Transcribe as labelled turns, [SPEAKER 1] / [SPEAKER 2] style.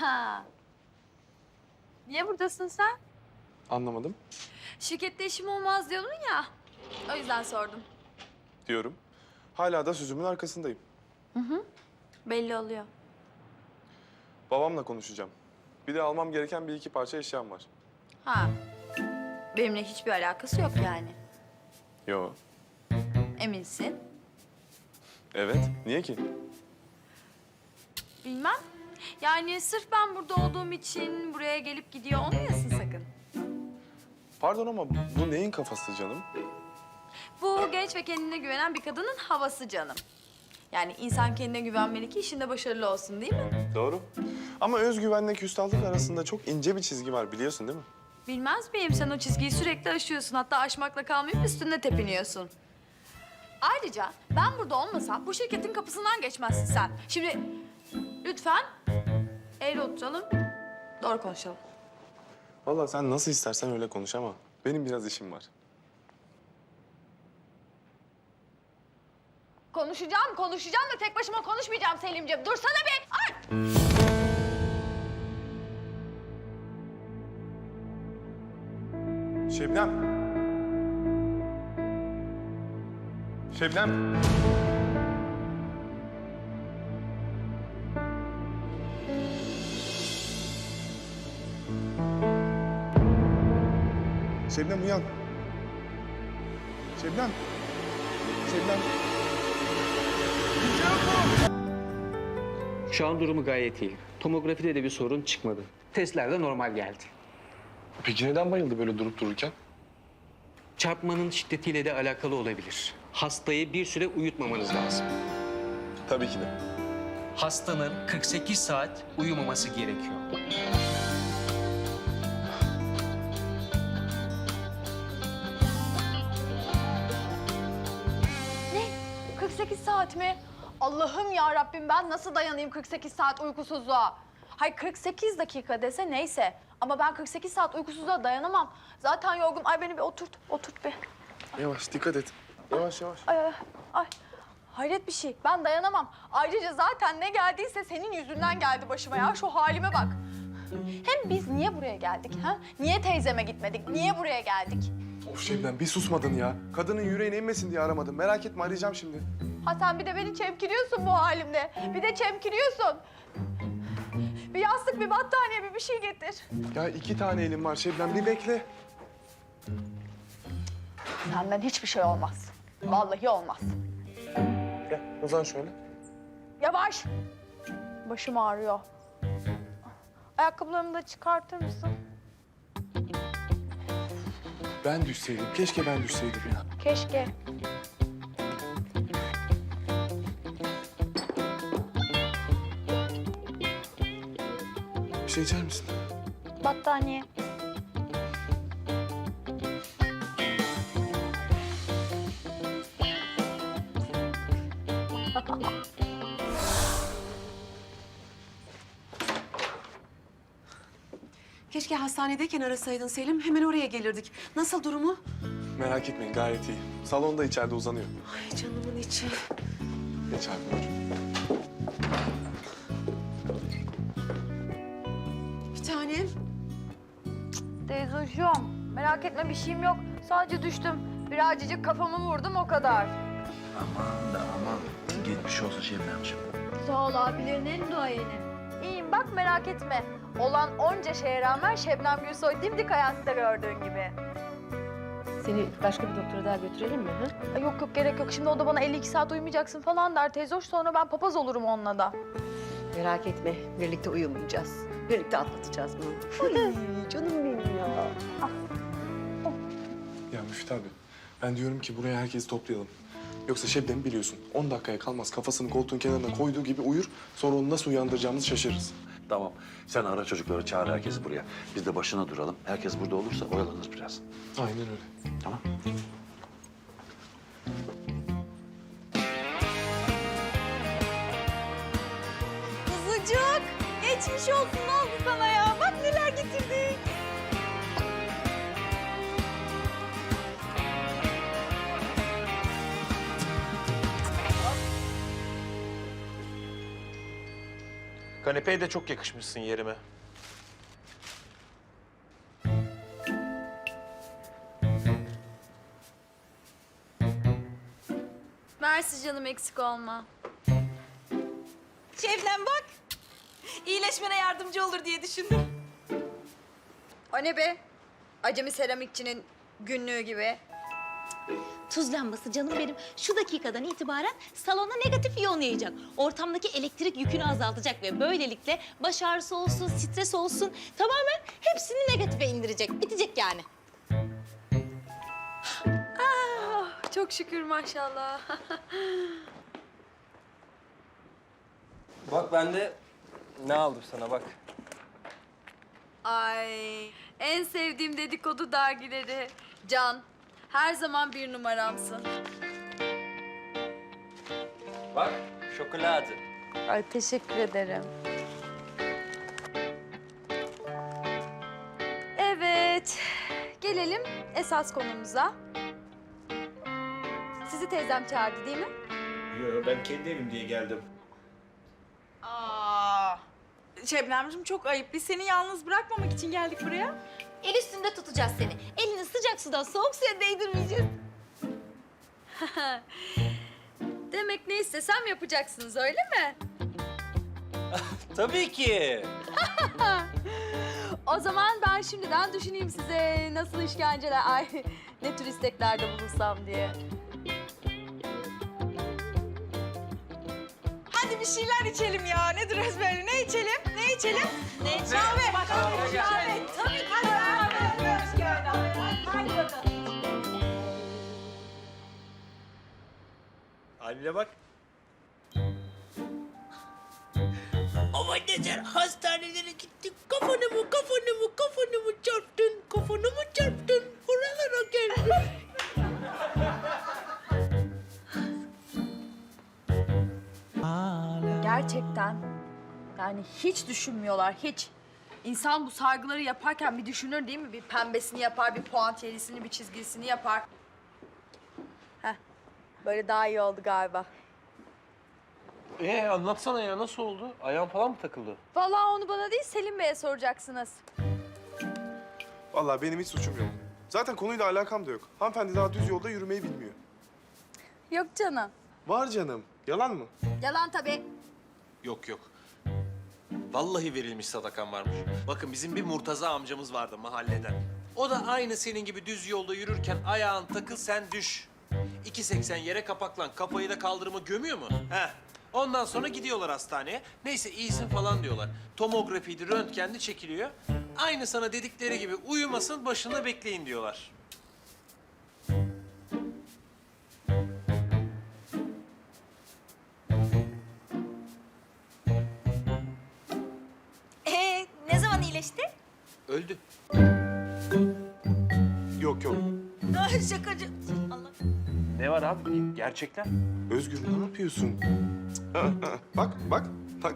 [SPEAKER 1] Ha. Niye buradasın sen?
[SPEAKER 2] Anlamadım.
[SPEAKER 1] Şirkette işim olmaz diyordun ya. O yüzden sordum.
[SPEAKER 2] Diyorum. Hala da sözümün arkasındayım.
[SPEAKER 1] Belli oluyor.
[SPEAKER 2] Babamla konuşacağım. Bir de almam gereken bir iki parça eşyam var.
[SPEAKER 1] Ha. Benimle hiçbir alakası yok yani.
[SPEAKER 2] Yo.
[SPEAKER 1] Eminsin?
[SPEAKER 2] Evet. Niye ki?
[SPEAKER 1] Bilmem. Yani sırf ben burada olduğum için buraya gelip gidiyor olmayasın sakın.
[SPEAKER 2] Pardon ama bu neyin kafası canım?
[SPEAKER 1] Bu genç ve kendine güvenen bir kadının havası canım. Yani insan kendine güvenmeli ki işinde başarılı olsun değil mi?
[SPEAKER 2] Doğru. Ama özgüvenle küstahlık arasında çok ince bir çizgi var biliyorsun değil mi?
[SPEAKER 1] Bilmez miyim? Sen o çizgiyi sürekli aşıyorsun. Hatta aşmakla kalmayıp üstünde tepiniyorsun. Ayrıca ben burada olmasam bu şirketin kapısından geçmezsin sen. Şimdi lütfen eğri oturalım, doğru konuşalım.
[SPEAKER 2] Vallahi sen nasıl istersen öyle konuş ama benim biraz işim var.
[SPEAKER 1] Konuşacağım da tek başıma konuşmayacağım Selimciğim. Dursana bir. Ay!
[SPEAKER 2] Şebnem. Şebnem. Şebnem uyan. Şebnem. Şebnem.
[SPEAKER 3] Şu an durumu gayet iyi. Tomografide de bir sorun çıkmadı. Testler de normal geldi.
[SPEAKER 2] Peki neden bayıldı böyle durup dururken?
[SPEAKER 3] Çarpmanın şiddetiyle de alakalı olabilir. Hastayı bir süre uyutmamanız lazım.
[SPEAKER 2] Tabii ki de.
[SPEAKER 3] Hastanın 48 saat uyumaması gerekiyor.
[SPEAKER 1] Ne? 48 saat mi? Allah'ım ya Rabbim ben nasıl dayanayım 48 saat uykusuzluğa? Hay 48 dakika dese neyse. Ama ben 48 saat uykusuzluğa dayanamam. Zaten yorgun. Ay beni bir oturt bir.
[SPEAKER 2] Yavaş dikkat et. Yavaş yavaş.
[SPEAKER 1] Ay. Hayret bir şey. Ben dayanamam. Ayrıca zaten ne geldiyse senin yüzünden geldi başıma ya. Şu halime bak. Hem biz niye buraya geldik ha? Niye teyzeme gitmedik? Niye buraya geldik?
[SPEAKER 2] Of Şebnem bir susmadın ya. Kadının yüreğine inmesin diye aramadım. Merak etme arayacağım şimdi.
[SPEAKER 1] Ha sen bir de beni çemkiriyorsun bu halimde. Bir de çemkiriyorsun. Bir yastık, bir battaniye, bir şey getir.
[SPEAKER 2] Ya 2 tane elim var Şebnem bir bekle.
[SPEAKER 1] Senden hiçbir şey olmaz. Vallahi olmaz.
[SPEAKER 2] Gel uzan şöyle.
[SPEAKER 1] Yavaş. Başım ağrıyor. Ayakkabılarımı da çıkartır mısın?
[SPEAKER 2] Ben düşseydim. Keşke ben düşseydim ya.
[SPEAKER 1] Keşke.
[SPEAKER 2] Bir şey içer misin?
[SPEAKER 1] Battaniye.
[SPEAKER 4] Keşke hastanedeyken arasaydın Selim. Hemen oraya gelirdik. Nasıl durumu?
[SPEAKER 2] Merak etmeyin gayet iyi. Salonda içeride uzanıyor.
[SPEAKER 4] Ay canımın içi.
[SPEAKER 2] Geç abi buyurun.
[SPEAKER 4] Bir tanem.
[SPEAKER 1] Teyzoşum, merak etme bir şeyim yok. Sadece düştüm. Birazcık kafamı vurdum o kadar.
[SPEAKER 5] Aman. Geçmiş olsun Şebnemciğim.
[SPEAKER 1] Sağ ol abilerin en duayeni. İyiyim bak merak etme. Olan onca şeye rağmen Şebnem Gülsoy dimdik hayatta gördüğün gibi.
[SPEAKER 4] Seni başka bir doktora daha götürelim mi? Ha?
[SPEAKER 1] Ay yok gerek yok. Şimdi o da bana 52 saat uyumayacaksın falan der teyzoş. Sonra ben papaz olurum onunla da.
[SPEAKER 4] Merak etme. Birlikte uyumayacağız. Birlikte atlatacağız bunu. Ay canım benim ya.
[SPEAKER 2] Ya Müftü abi ben diyorum ki buraya herkesi toplayalım. Yoksa Şebnem'i biliyorsun 10 dakikaya kalmaz kafasını koltuğun kenarına koyduğu gibi uyur. Sonra onu nasıl uyandıracağımızı şaşırırız.
[SPEAKER 5] Tamam. Sen ara çocukları, çağır herkesi buraya. Biz de başına duralım. Herkes burada olursa oyalanır biraz.
[SPEAKER 2] Aynen öyle.
[SPEAKER 5] Tamam.
[SPEAKER 1] Kuzucuk, geçmiş olsun ne oldu sana ya? Bak neler getirdik.
[SPEAKER 6] Kanepeye de çok yakışmışsın yerime.
[SPEAKER 1] Mersi canım, eksik olma.
[SPEAKER 7] Şebnem bak. İyileşmene yardımcı olur diye düşündüm.
[SPEAKER 1] O ne be? Acemi seramikçinin günlüğü gibi.
[SPEAKER 7] Tuz lambası canım benim şu dakikadan itibaren salona negatif iyon yayacak. Ortamdaki elektrik yükünü azaltacak ve böylelikle baş ağrısı olsun, stres olsun tamamen hepsini negatife indirecek. Bitecek yani.
[SPEAKER 1] Çok şükür maşallah.
[SPEAKER 8] Bak ben de ne aldım sana bak.
[SPEAKER 1] Ay, en sevdiğim dedikodu dergileri. Can, her zaman bir numaramsın.
[SPEAKER 8] Bak şokolade.
[SPEAKER 1] Ay, teşekkür ederim. Evet, gelelim esas konumuza. Sizi teyzem çağırdı değil mi?
[SPEAKER 6] Yo, ben kendi evim diye geldim.
[SPEAKER 9] Aa, Şebnemciğim çok ayıp. Biz seni yalnız bırakmamak için geldik buraya.
[SPEAKER 7] El üstünde tutacağız seni. Elini sıcak sudan soğuk suya değdirmeyeceğiz.
[SPEAKER 1] Demek ne istesem yapacaksınız, öyle mi?
[SPEAKER 8] Tabii ki.
[SPEAKER 1] O zaman ben şimdiden düşüneyim size nasıl işkenceler, ay ne tür isteklerde bulunsam diye.
[SPEAKER 9] Hadi bir şeyler içelim ya. Nedir ezberli? Ne içelim? Ne içelim? Ne içelim? Kahve. Kahve. Tabii ki. Hadi bakalım.
[SPEAKER 6] Haline bak.
[SPEAKER 10] Aman neler hastanelere gittik. Kafanı mı çarptın? Kafanı mı çarptın? Oralara geldi.
[SPEAKER 1] Gerçekten yani hiç düşünmüyorlar, hiç. İnsan bu sargıları yaparken bir düşünür değil mi? Bir pembesini yapar, bir puantiyelisini, bir çizgisini yapar. Heh, böyle daha iyi oldu galiba.
[SPEAKER 8] Anlatsana ya nasıl oldu? Ayağın falan mı takıldı?
[SPEAKER 1] Vallahi onu bana değil, Selim Bey'e soracaksınız.
[SPEAKER 2] Vallahi benim hiç suçum yok. Zaten konuyla alakam da yok. Hanımefendi daha düz yolda yürümeyi bilmiyor.
[SPEAKER 1] Yok canım.
[SPEAKER 2] Var canım. Yalan mı?
[SPEAKER 1] Yalan tabii.
[SPEAKER 6] Yok yok. Vallahi verilmiş sadakan varmış. Bakın bizim bir Murtaza amcamız vardı mahalleden. O da aynı senin gibi düz yolda yürürken ayağın takıl sen düş. 2.80 yere kapaklan, kafayı da kaldırıma gömüyor mu? Heh. Ondan sonra gidiyorlar hastaneye. Neyse iyisin falan diyorlar. Tomografiydi, röntgendi çekiliyor. Aynı sana dedikleri gibi uyumasın, başında bekleyin diyorlar.
[SPEAKER 7] Ne zaman iyileşti?
[SPEAKER 6] Öldü.
[SPEAKER 2] Yok yok.
[SPEAKER 7] Şakacı. Allah.
[SPEAKER 6] Ne var abi? Gerçekten.
[SPEAKER 2] Özgür ne yapıyorsun? Bak bak bak.